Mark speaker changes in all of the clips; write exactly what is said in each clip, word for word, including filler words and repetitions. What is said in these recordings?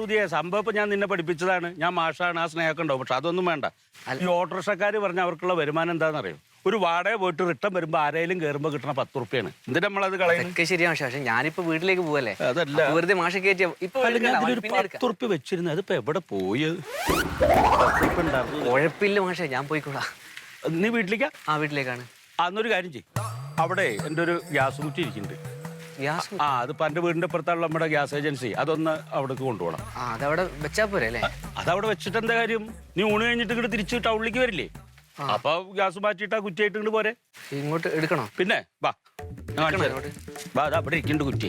Speaker 1: സുധിയെ സംഭവം ഞാൻ നിന്നെ പഠിപ്പിച്ചതാണ്. ഞാൻ മാഷാണ്, ആ സ്നേഹമൊക്കെ ഉണ്ടാവും. പക്ഷെ അതൊന്നും വേണ്ട. ഈ ഓട്ടോറിക്ഷക്കാർ പറഞ്ഞ അവർക്കുള്ള വരുമാനം എന്താണെന്നറിയോ? ഒരു വാടക പോയിട്ട് റിട്ടേൺ വരുമ്പോ ആരെയും കയറുമ്പോ കിട്ടണ പത്ത് റുപ്യാണ്. എന്തിനാ നമ്മളത് കളയുന്നത്?
Speaker 2: ശരിയാണ്. പക്ഷെ ഞാനിപ്പോ വീട്ടിലേക്ക് പോവല്ലേ,
Speaker 1: അതല്ല
Speaker 2: വെറുതെ മാഷ കയറ്റിയ
Speaker 1: പത്ത് റുപ്യ വെച്ചിരുന്നു. അതിപ്പോ എവിടെ പോയത്?
Speaker 2: കുഴപ്പമില്ല മാഷെ, ഞാൻ പോയിക്കോളാം.
Speaker 1: നീ വീട്ടിലേക്കാ?
Speaker 2: ആ വീട്ടിലേക്കാണ്.
Speaker 1: അന്നൊരു കാര്യം ചെയ്യും, അവിടെ എൻ്റെ ഒരു ഗ്യാസ് കുറ്റി ഇരിക്കുന്നുണ്ട്. ആ അതിപ്പോ എന്റെ വീടിന്റെ പുറത്തുള്ള നമ്മുടെ ഗ്യാസ് ഏജൻസി, അതൊന്ന് അവിടേക്ക് കൊണ്ടുപോകണം.
Speaker 2: അതവിടെ വെച്ചാ പോരെ അല്ലേ?
Speaker 1: അതവിടെ വെച്ചിട്ട് എന്താ കാര്യം? നീ ഊണ് കഴിഞ്ഞിട്ട് ഇങ്ങോട്ട് തിരിച്ച് ടൗണിലേക്ക് വരില്ലേ? അപ്പൊ ഗ്യാസ് മാറ്റിയിട്ട് ആ കുറ്റിയായിട്ട് ഇങ്ങോട്ട് പോരെ.
Speaker 2: ഇങ്ങോട്ട് എടുക്കണോ?
Speaker 1: പിന്നെ വാ, വാ, അതാ അവിടെ ഇരിക്കുന്നുണ്ട് കുറ്റി.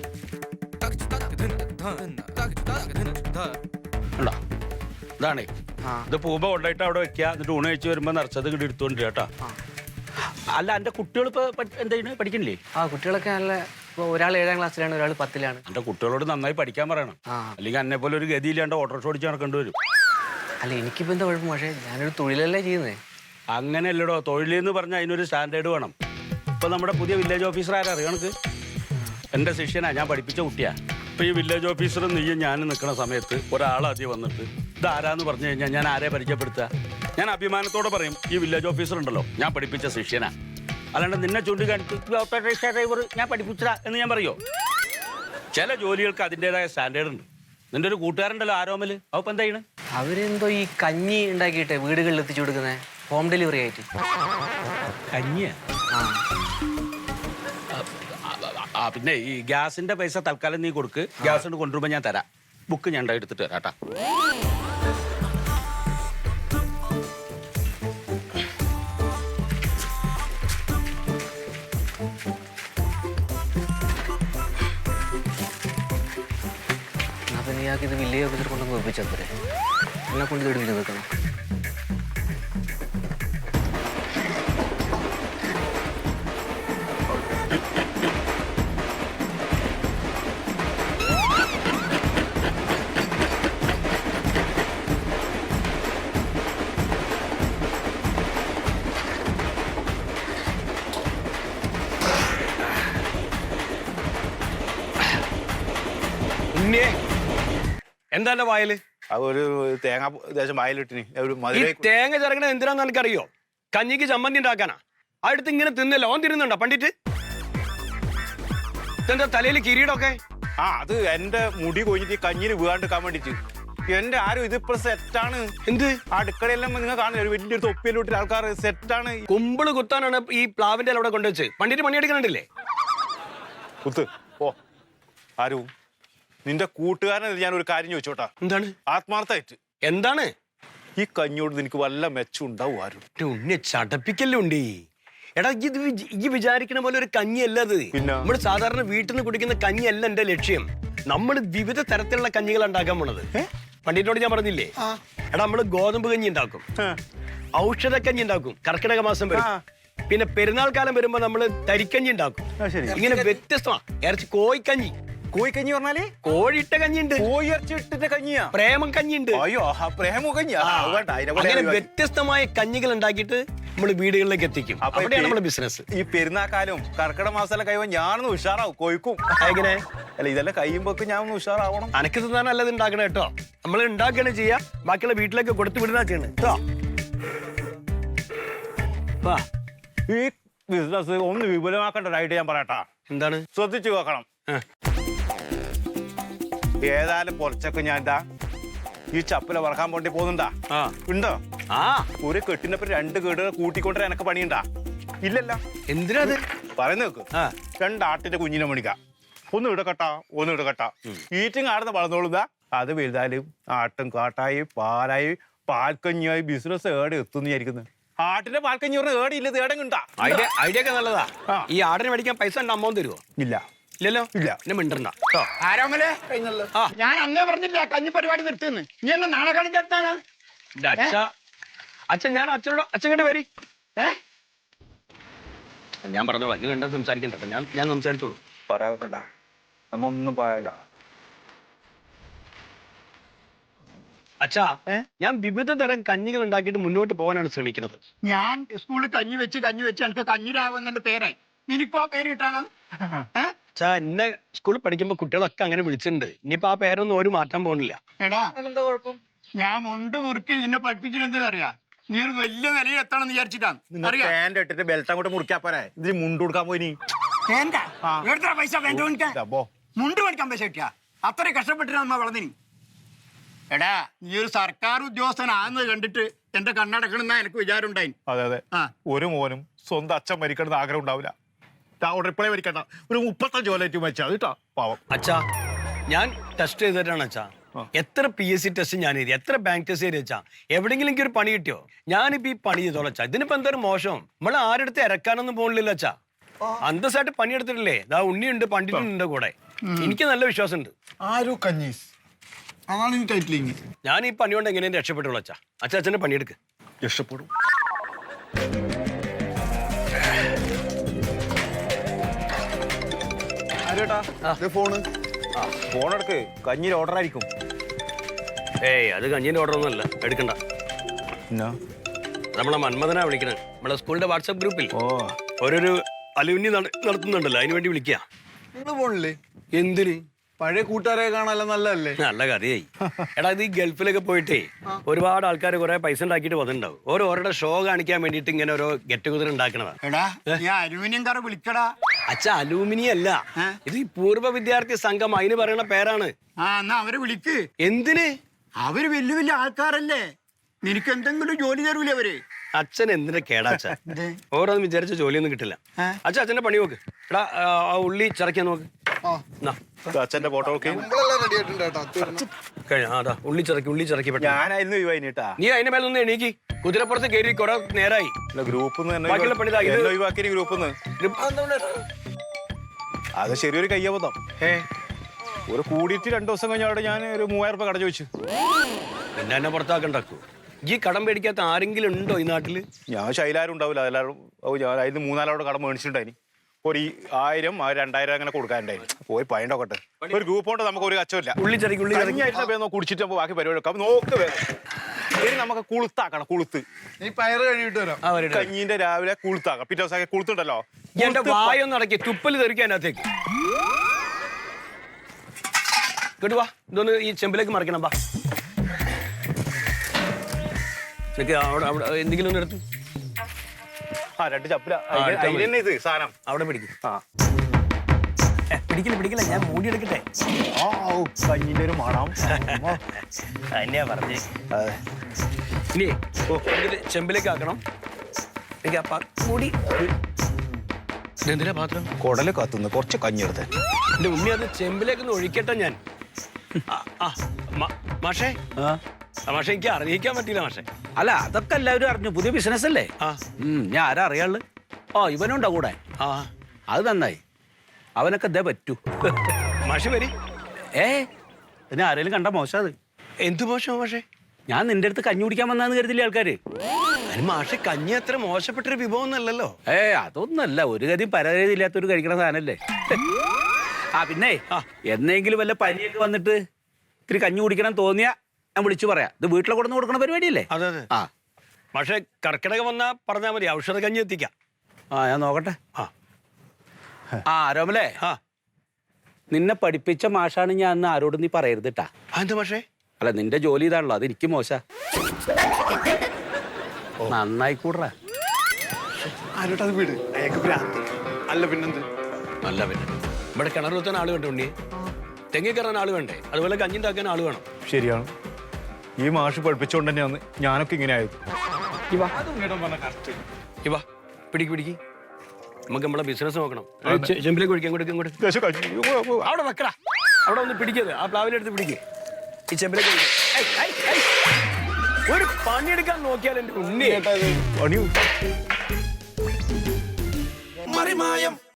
Speaker 1: ഇതാണേ, ഇത് പൂമ്പ കൊണ്ടായിട്ട് അവിടെ വെക്കുക. എന്നിട്ട് ഊണ് കഴിച്ച് വരുമ്പോ നിറച്ചത് ഇങ്ങോട്ട് എടുത്തോണ്ട് കേട്ടോ. അല്ല, എന്റെ കുട്ടികൾ ഇപ്പൊ എന്താ പഠിക്കണില്ലേ?
Speaker 2: ആ കുട്ടികളൊക്കെ നല്ല, ഒരാൾ ഏഴാം ക്ലാസ്സിലാണ്, ഒരാൾ പത്തിലാണ്.
Speaker 1: എന്റെ കുട്ടികളോട് നന്നായി പഠിക്കാൻ പറയണം. അല്ലെങ്കിൽ എന്നെ പോലെ ഒരു ഗതിയില്ലാണ്ട് ഓട്ടോറിക്ഷ ഓടിച്ച് നടക്കേണ്ടി വരും.
Speaker 2: അല്ല എനിക്കിപ്പോ എന്താ കുഴപ്പം? പക്ഷേ ഞാനൊരു തൊഴിലല്ലേ ചെയ്യുന്നേ.
Speaker 1: അങ്ങനെയല്ലടോ, തൊഴിലെന്ന് പറഞ്ഞാൽ അതിനൊരു സ്റ്റാൻഡേർഡ് വേണം. ഇപ്പൊ നമ്മുടെ പുതിയ വില്ലേജ് ഓഫീസർ ആരാ അറിയോ എനിക്ക്? എന്റെ ശിഷ്യനാ, ഞാൻ പഠിപ്പിച്ച കുട്ടിയാ. ഇപ്പൊ ഈ വില്ലേജ് ഓഫീസറും നീയും ഞാനും നിൽക്കുന്ന സമയത്ത് ഒരാളാദ്യം വന്നിട്ട് ഇത് ആരാന്ന് പറഞ്ഞു കഴിഞ്ഞാൽ ഞാൻ ആരെ പരിചയപ്പെടുത്തുക? ഞാൻ അഭിമാനത്തോടെ പറയും, ഈ വില്ലേജ് ഓഫീസർ ഉണ്ടല്ലോ ഞാൻ പഠിപ്പിച്ച ശിഷ്യനാ. അല്ലാണ്ട് നിന്നെ ചൂണ്ടിക്കാണിച്ച് ഓട്ടോറിക്ഷ ഡ്രൈവർ ഞാൻ പഠിപ്പിച്ചതാ എന്ന് ഞാൻ പറയോ? ചില ജോലികൾക്ക് അതിൻ്റെതായ സ്റ്റാൻഡേർഡ് ഉണ്ട്. നിന്റെ ഒരു കൂട്ടുകാരുണ്ടല്ലോ ആരോമല്, അവ എന്താ ചെയ്യണ്?
Speaker 2: അവരെന്തോ ഈ കഞ്ഞി ഉണ്ടാക്കിയിട്ട് വീടുകളിൽ എത്തിച്ചു കൊടുക്കുന്നത്, ഹോം ഡെലിവറി ആയിട്ട്.
Speaker 1: കഞ്ഞിയാ? ആ പിന്നെ ഈ ഗ്യാസിന്റെ പൈസ തൽക്കാലം നീ കൊടുക്ക്. ഗ്യാസ് കൊണ്ട് കൊണ്ടുവരുമ്പോ ഞാൻ തരാം. ബുക്ക് ഞാൻ എടുത്തിട്ട് തരാം കേട്ടാ.
Speaker 2: അപ്പം നീയാക്കി ഇത് വില്ലേജ് ഓഫീസർ കൊണ്ടൊന്ന് ഒപ്പിച്ചാൽ പോരെ? എന്നെ കൊണ്ട് ഇത് എടുത്ത് വെക്കണം.
Speaker 3: എന്താ വായല്?
Speaker 4: ഒരു തേങ്ങ ദേശം വായലിട്ടിന്.
Speaker 3: തേങ്ങ ചിറകണ എന്തിനാന്ന് എനിക്കറിയോ? കഞ്ഞിക്ക് ചമ്മന്തി ഉണ്ടാക്കാനാ. അടുത്ത് ഇങ്ങനെ തിന്നല്ലോ, ഓൻ തിരുന്നുണ്ടോ പണ്ടിട്ട്? ഇതെന്താ തലയിൽ കിരീടമൊക്കെ?
Speaker 4: ആ അത് എന്റെ മുടി കൊഞ്ഞിട്ട് കഞ്ഞിന് വീകാണ്ടിരിക്കാൻ വേണ്ടിട്ട്. എന്റെ ആരും ഇതിപ്പോ സെറ്റാണ്.
Speaker 3: എന്ത്
Speaker 4: അടുക്കളയെല്ലാം നിങ്ങൾ കാണില്ല, ഒരു വലിയൊരു തൊപ്പിയിലോട്ട് ആൾക്കാർ സെറ്റാണ്.
Speaker 3: കുമ്പിള് കുത്താനാണ് ഈ പ്ലാവിന്റെ അവിടെ കൊണ്ടുവച്ച് പണ്ടിട്ട് പണിയെടുക്കണുണ്ടല്ലേ?
Speaker 4: കുത്ത് ഓ. ആരും നിന്റെ കൂട്ടുകാരനെ ഞാൻ ഒരു കാര്യം ചോദിച്ചോട്ടാ.
Speaker 3: എന്താണ്?
Speaker 4: ആത്മാർത്ഥമായിട്ട്
Speaker 3: എന്താണ്?
Speaker 4: ഈ കഞ്ഞോട് നിനക്ക് വല്ല മെച്ചം ഉണ്ടാവും? ആരും
Speaker 3: ഉണ്ണി ചടപ്പിക്കല്ലുണ്ട്. എടാ ഇത് ഈ വിചാരിക്കണ പോലെ ഒരു കഞ്ഞിയല്ല അത്. നമ്മൾ സാധാരണ വീട്ടിൽ നിന്ന് കുടിക്കുന്ന കഞ്ഞിയല്ല എന്റെ ലക്ഷ്യം. നമ്മൾ വിവിധ തരത്തിലുള്ള കഞ്ഞികൾ ഉണ്ടാക്കാൻ പോണത്. പണ്ടിട്ടോട് ഞാൻ പറഞ്ഞില്ലേ, എടാ നമ്മള് ഗോതമ്പ് കഞ്ഞി ഉണ്ടാക്കും, ഔഷധ കഞ്ഞി ഉണ്ടാക്കും, കർക്കിടക മാസം വരും, പിന്നെ പെരുന്നാൾ കാലം വരുമ്പോ നമ്മള് തരിക്കഞ്ഞി ഉണ്ടാക്കും. ഇങ്ങനെ വ്യത്യസ്തമാ. ഇറച്ചി കോഴിക്കഞ്ഞി.
Speaker 4: കോഴിക്കഞ്ഞി പറഞ്ഞാല്
Speaker 3: കോഴിയിട്ട കഞ്ഞിണ്ട്,
Speaker 4: കോഴി ഇറച്ചി ഇട്ടിട്ട് കഞ്ഞിയാ,
Speaker 3: പ്രേമം കഞ്ഞിണ്ട്.
Speaker 4: അയ്യോ പ്രേമ കഞ്ഞി.
Speaker 3: അങ്ങനെ വ്യത്യസ്തമായ കഞ്ഞികൾ ഉണ്ടാക്കിയിട്ട് നമ്മൾ വീടുകളിലേക്ക് എത്തിക്കും. അവിടെയാണ് നമ്മുടെ ബിസിനസ്.
Speaker 4: ഈ പെരുന്നാക്കാലും കർക്കിടക മാസം കഴിയുമ്പോൾ ഞാനൊന്ന് ഉഷാറാവും. കോഴിക്കും
Speaker 3: എങ്ങനെ?
Speaker 4: അല്ല ഇതെല്ലാം കഴിയുമ്പോക്ക് ഞാൻ ഒന്ന് ഉഷാറാവണം.
Speaker 3: അനക്ക് തിന്നാൻ നല്ലത് ഉണ്ടാക്കണം കേട്ടോ. നമ്മൾ ഉണ്ടാക്കുകയാണ് ചെയ്യാ, ബാക്കിയുള്ള വീട്ടിലേക്ക് കൊടുത്തു വിടുന്ന ചെയ്യണം കേട്ടോ.
Speaker 4: ഈ ബിസിനസ് ഒന്ന് വിപുലമാക്കേണ്ട ഒരു ഐഡിയ ഞാൻ പറയട്ടാ.
Speaker 3: എന്താണ്?
Speaker 4: ശ്രദ്ധിച്ചു നോക്കണം. ഏതായാലും കുറച്ചൊക്കെ ഞാൻ എന്താ ഈ ചപ്പല വറക്കാൻ പോണ്ടി പോകുന്നുണ്ടാ? ഉണ്ടോ?
Speaker 3: ആ
Speaker 4: ഒരു കെട്ടിനപ്പം രണ്ട് കേടുകൾ കൂട്ടിക്കൊണ്ടേ എനക്ക് പണിയുണ്ടാ? ഇല്ലല്ല.
Speaker 3: എന്തിനാ അത്
Speaker 4: പറയുന്ന നോക്ക്. രണ്ടാട്ടിന്റെ കുഞ്ഞിനെ മണിക്ക, ഒന്ന് ഇടക്കട്ട ഒന്ന് ഇടക്കട്ട ഈറ്റും കാടുന്ന വളർന്നോളുതാ. അത് വലുതായാലും ആട്ടും കാട്ടായി പാലായി പാൽക്കഞ്ഞിയായി ബിസിനസ് ഏടെ എത്തുന്ന വിചാരിക്കുന്നത്. ആട്ടിന്റെ പാൽക്കഞ്ഞി പറഞ്ഞ ഏടെ ഇല്ല, ഏടെ ഉണ്ടാ.
Speaker 3: ഐഡിയ ഐഡിയ ഒക്കെ നല്ലതാ. ഈ ആടിന് മേടിക്കാൻ പൈസ ഉണ്ട് അമ്മ തരുമോ?
Speaker 4: ഇല്ല.
Speaker 3: ഇല്ലല്ലോ.
Speaker 4: ഇല്ല.
Speaker 3: എന്നെ മിണ്ടണ്ട.
Speaker 5: ആരോമലേ, ഞാൻ അന്നേ പറഞ്ഞില്ല കഞ്ഞി പരിപാടി നിർത്തുന്നു. നീ എന്നെ നാളെ കളിച്ചെടുത്താണ്.
Speaker 3: അച്ഛൻ ഞാൻ അച്ഛനോട് അച്ഛൻ കണ്ട് വരി. ഞാൻ പറഞ്ഞോളാം, നീ കണ്ടാ സംസാരിക്കണ്ട. ഞാൻ ഞാൻ സംസാരിച്ചോളൂ.
Speaker 4: പറയാ നമ്മ ഒന്നും പറയണ്ട.
Speaker 3: അച്ഛാ, ഞാൻ വിവിധ തരം കഞ്ഞികൾ ഉണ്ടാക്കിയിട്ട് മുന്നോട്ട് പോകാനാണ് ശ്രമിക്കുന്നത്.
Speaker 5: ഞാൻ സ്കൂളിൽ കഞ്ഞി വെച്ച് കഞ്ഞി വെച്ച് എനിക്ക് കഞ്ഞിരാവുന്നതിന്റെ പേരായി. നിനക്കോ പേര് കിട്ടാണ്.
Speaker 3: അച്ഛാ എന്നെ സ്കൂളിൽ പഠിക്കുമ്പോ കുട്ടികളൊക്കെ അങ്ങനെ വിളിച്ചിട്ടുണ്ട് ഇനിയിപ്പോ ആ പേരൊന്നും ഒരു മാറ്റാൻ പോകുന്നില്ല.
Speaker 5: എടാ
Speaker 2: എന്താ കുഴപ്പം?
Speaker 5: ഞാൻ മുണ്ട് മുറുക്കി നിന്നെ പഠിപ്പിച്ചിട്ട് അറിയാ നീ ഒരു വലിയ നിലയിൽ എത്തണം എന്ന് വിചാരിച്ചിട്ടാണ് അറിയാ
Speaker 4: പാന്റ് ഇട്ടിട്ട് ബെൽറ്റ് അങ്ങോട്ട് മുറിക്കാ പോരെ ഇതിന് മുണ്ട് കൊടുക്കാൻ പോയി
Speaker 5: എന്താ എത്ര പൈസ വേണ്ട മുണ്ട് പഠിക്കാൻ പൈസ കിട്ടിയാ അത്ര കഷ്ടപ്പെട്ടിട്ട് നമ്മ വളർന്നിനി. എടാ നീ ഒരു സർക്കാർ ഉദ്യോഗസ്ഥനാന്ന് കണ്ടിട്ട് എന്റെ കണ്ണടക്കണെന്നാ എനിക്ക് വിചാരം ഉണ്ടായി.
Speaker 4: അതെ അതെ
Speaker 5: ആ
Speaker 4: ഒരു മോനും സ്വന്തം അച്ഛൻ മരിക്കണമെന്ന് ആഗ്രഹം ഉണ്ടാവില്ല. റിപ്ലൈ മരിക്കണ്ട ഒരു മുപ്പത്തഞ്ച് കൊല്ലായിട്ട് മരിച്ചാ കേട്ടോ പാവം.
Speaker 3: അച്ഛാ ഞാൻ ടെസ്റ്റ് ചെയ്തിട്ടാണ് അച്ഛാ എത്ര പി എസ് സി ടെസ്റ്റ് ഞാൻ എഴുതി എത്ര ബാങ്ക് ടെസ്റ്റ് ചെയ്ത് വെച്ചാ എവിടെയെങ്കിലും എനിക്ക് ഒരു പണി കിട്ടിയോ? ഞാനിപ്പോ ഈ പണി ചെയ്തോളാം അച്ഛാ. ഇതിനിപ്പോ എന്തൊരു മോശം നമ്മൾ ആരെടുത്ത് ഇറക്കാനൊന്നും പോകണില്ല അച്ഛാ. അന്തസ്സായിട്ട് പണിയെടുത്തിട്ടില്ലേ? ദാ ഉണ്ണിയുണ്ട് പണ്ടിട്ടുണ്ട് കൂടെ. എനിക്ക് നല്ല വിശ്വാസമുണ്ട്.
Speaker 5: ആരോ കഞ്ഞീസ് അതാണ് ഈ ടൈറ്റിലിങ്.
Speaker 3: ഞാൻ ഈ പണി കൊണ്ട് എങ്ങനെയും രക്ഷപ്പെട്ടുള്ളൂ അച്ഛാ. അച്ഛാ അച്ഛൻ്റെ പണിയെടുക്ക്.
Speaker 4: രക്ഷപ്പെടും.
Speaker 2: ഫോണ്
Speaker 4: ഫോൺ എടുക്ക് കഞ്ഞിയിൽ ഓർഡർ ആയിരിക്കും.
Speaker 3: ഏയ് അത് കഞ്ഞിന്റെ ഓർഡർ ഒന്നും അല്ല, എടുക്കണ്ട. നമ്മളെ മന്മഥനാ വിളിക്കണേ. നമ്മളെ സ്കൂളിന്റെ വാട്സാപ്പ് ഗ്രൂപ്പിൽ
Speaker 4: ഓ
Speaker 3: ഓരോരു അലുമിനി നടത്തുന്നുണ്ടല്ലോ, അതിന് വേണ്ടി വിളിക്കുക.
Speaker 6: നിങ്ങള് പോണില്ലേ?
Speaker 3: എന്തിന്?
Speaker 6: പഴയ കൂട്ടുകാരെ കാണാനല്ല നല്ലതല്ലേ?
Speaker 3: നല്ല കഥയായി. എടാ ഇത് ഈ ഗൾഫിലൊക്കെ പോയിട്ടേ ഒരുപാട് ആൾക്കാർ കുറെ പൈസ ഉണ്ടാക്കിയിട്ട് വന്നിട്ടുണ്ടാവും. ഓരോരുടെ ഷോ കാണിക്കാൻ വേണ്ടിയിട്ട് ഇങ്ങനെ ഓരോ ഗെറ്റ് ടുഗദർ ഉണ്ടാക്കണതാ.
Speaker 5: എടാ നീ അലുമിനിയം കാർ വിളിക്കടാ.
Speaker 3: അച്ഛ അലൂമിനി അല്ല, ഇത് ഈ പൂർവ്വ വിദ്യാർത്ഥി സംഘം അതിന് പറയണ പേരാണ്.
Speaker 5: ആ എന്നാ അവരെ വിളിക്ക്.
Speaker 3: എന്തിന്?
Speaker 5: അവര് വലിയ വലിയ ആൾക്കാരല്ലേ, നിനക്ക് എന്തെങ്കിലും ജോലി തരൂലേ അവര്?
Speaker 3: അച്ഛൻ എന്തിന്റെ കേടാച്ച? ഓരോന്നും വിചാരിച്ച ജോലിയൊന്നും കിട്ടില്ല. അച്ഛൻ അച്ഛന്റെ പണി നോക്ക്. എടാ ആ ഉള്ളി ചതയ്ക്കാൻ നോക്ക്.
Speaker 4: അച്ഛന്റെ ഫോട്ടോ ഒക്കെ
Speaker 6: നിങ്ങളെല്ലാം റെഡി ആയിട്ടുണ്ട് കേട്ടോ. തീർന്നു.
Speaker 3: കഴിഞ്ഞ അതാ ഉള്ളി ചതക്കി ഉള്ളി ചതക്കി പെട്ടെന്ന്.
Speaker 4: ഞാനായിരുന്നു ഒഴിവായിട്ടാ.
Speaker 3: നീ അതിന്റെ മേലെ ഒന്ന് എണീക്ക്. കുതിരപ്പുറത്ത് കയറി കുറെ നേരായി.
Speaker 4: ഗ്രൂപ്പ്
Speaker 3: ബാക്കിയുള്ള പണി ഇതാ. ഇത്
Speaker 4: ഒഴിവാക്കിയ ഗ്രൂപ്പ് അത് ശരിയൊരു കയ്യബദ്ധം. ഒരു കൂടിയിട്ട് രണ്ടു ദിവസം കഴിഞ്ഞാൽ ഞാൻ ഒരു മൂവായിരം രൂപ കട ചോദിച്ചു.
Speaker 3: പിന്നെ എന്നെ പുറത്താക്കണ്ടാക്കൂ. ഈ കടം പേടിക്കാത്ത ആരെങ്കിലും ഉണ്ടോ ഈ നാട്ടില്?
Speaker 4: ഞാൻ ശൈലാരും ഉണ്ടാവില്ല. എല്ലാവരും ഞാൻ അതിന് മൂന്നാലോടെ കടം മേടിച്ചിട്ടുണ്ടായിന്. ഒരു ഈ ആയിരം ആ രണ്ടായിരം അങ്ങനെ കൊടുക്കാനുണ്ടായിരുന്നു. പോയി പയണ്ടോക്കട്ടെ. ഒരു ഗ്രൂപ്പ് കൊണ്ട് നമുക്ക് ഒരു കച്ചമില്ല.
Speaker 3: ഉള്ളി ചതക്കി ഉള്ളി ചതക്കി
Speaker 4: കുടിച്ചിട്ട് ബാക്കി പരിപാടി വെക്കാം. നോക്ക് വേണം. ഇനി നമുക്ക് കുളുത്താക്കണം. കുളുത്ത്
Speaker 6: നീ പയറ് കഴിയിട്ട് വരാം.
Speaker 3: ആ വരട്ടെ.
Speaker 4: കഞ്ഞീന്റെ രാവിലെ കുളുത്താക്കാം. പിറ്റേ ദിവസം കുളുത്തുണ്ടല്ലോ.
Speaker 3: എന്റെ വായൊന്നും അടക്കി തുപ്പല് തെറിക്കാൻ അതിനകത്തേക്ക് കേട്ടുവാ. ഇതൊന്ന് ഈ ചെമ്പിലേക്ക് മറിക്കണം. ബാ അവിടെ അവിടെ എന്തെങ്കിലും ഒന്ന് എടുത്തു.
Speaker 4: ആ രണ്ട് ചപ്പില ഇത് സാധനം
Speaker 3: അവിടെ പിടിക്കും.
Speaker 4: ആ
Speaker 3: പിടിക്കില്ല പിടിക്കില്ല, ഞാൻ മൂടി എടുക്കട്ടെ.
Speaker 4: ആ കഞ്ഞിന്റെ ഒരു മണം
Speaker 3: തന്നെയാ പറഞ്ഞേ. ഇനി ചെമ്പിലേക്ക് ആക്കണം. മൂടി എന്തിനാ പാത്രം?
Speaker 4: കുടല് കത്തുന്നു. കുറച്ച് കഞ്ഞെടുത്ത്
Speaker 3: എന്റെ ഉമ്മി അത് ചെമ്പിലേക്ക് ഒന്ന് ഒഴിക്കട്ടെ ഞാൻ. മാഷേ മാഷെ എനിക്ക് അറിയിക്കാൻ പറ്റില്ല മാഷെ.
Speaker 1: അല്ല അതൊക്കെ എല്ലാവരും അറിഞ്ഞു. പുതിയ ബിസിനസ് അല്ലേ?
Speaker 3: ആ
Speaker 1: ഞാൻ ആരാ അറിയാള്? ഓ ഇവനുണ്ടോ കൂടെ?
Speaker 3: ആ
Speaker 1: അത് നന്നായി. അവനൊക്കെ ഇതേ പറ്റൂ.
Speaker 3: മാഷ് വരി.
Speaker 1: ഏ പിന്നെ ആരെങ്കിലും കണ്ട മോശം അത്.
Speaker 3: എന്ത് മോശം മാഷെ?
Speaker 1: ഞാൻ നിന്റെ അടുത്ത് കഞ്ഞി കുടിക്കാൻ വന്നാന്ന് കരുതില്ലേ ആൾക്കാര്?
Speaker 3: അതിന് മാഷെ കഞ്ഞി അത്ര മോശപ്പെട്ടൊരു വിഭവം ഒന്നല്ലല്ലോ.
Speaker 1: ഏ അതൊന്നല്ല, ഒരു ഗതിയും പരാതി ഇല്ലാത്തൊരു കഴിക്കണ സാധനല്ലേ. ആ പിന്നെ എന്നെങ്കിലും വല്ല പനിയൊക്കെ വന്നിട്ട് ഇത്തിരി കഞ്ഞി കുടിക്കണം തോന്നിയാ ഞാൻ വിളിച്ചു പറയാം. ഇത് വീട്ടിലെ കൊടുന്ന് കൊടുക്കണ പരിപാടിയല്ലേ?
Speaker 3: അതെ അതെ.
Speaker 1: ആ
Speaker 3: പക്ഷെ കർക്കിടക വന്നാ പറഞ്ഞാൽ മതി, ഔഷധ കഞ്ഞി എത്തിക്കാം.
Speaker 1: ആ ഞാൻ നോക്കട്ടെ.
Speaker 3: ആ
Speaker 1: ആ രോമലേ,
Speaker 3: ആ
Speaker 1: നിന്നെ പഠിപ്പിച്ച മാഷാണ് ഞാൻ അന്ന് ആരോടും നീ പറയരുത് ട്ടാ.
Speaker 3: എന്ത് മാഷേ?
Speaker 1: അല്ല നിന്റെ ജോലി ഇതാണല്ലോ, അത് എനിക്ക് മോശ. നന്നായിക്കൂടാ.
Speaker 6: ആരോട്ടത് വീട് അയാൾക്ക് ഭ്രാന്ത്. അല്ല പിന്നെന്ത്?
Speaker 3: അല്ല പിന്നെ ഇവിടെ കിണർ കുത്താൻ ആള് വേണ്ട ഉണ്ണി, തെങ്ങി കയറാൻ ആള് വേണ്ടേ, അതുപോലെ കഞ്ഞി ഉണ്ടാക്കാൻ ആള് വേണം.
Speaker 4: ശരിയാണ്. ഈ മാഷ് പഠിപ്പിച്ചുകൊണ്ട് തന്നെയാണ് ഞാനൊക്കെ ഇങ്ങനെ ആയത്.
Speaker 3: ഇവാ പിടിക്ക് പിടിക്ക്, നമുക്ക് നമ്മളെ ബിസിനസ് നോക്കണം. ചെമ്പിലേക്ക് ഒഴിക്കാൻ കൊടുക്കും ഇങ്ങോട്ട്. അവിടെ വെക്കടാ, അവിടെ ഒന്ന് പിടിക്കരുത്. ആ പ്ലാവിലെടുത്ത് പിടിക്ക്. ഈ ചെമ്പിലേക്ക് ഒരു പണിയെടുക്കാൻ നോക്കിയാൽ എന്റെ ഉണ്ണി
Speaker 4: പണിയൂ.
Speaker 3: മറിമായം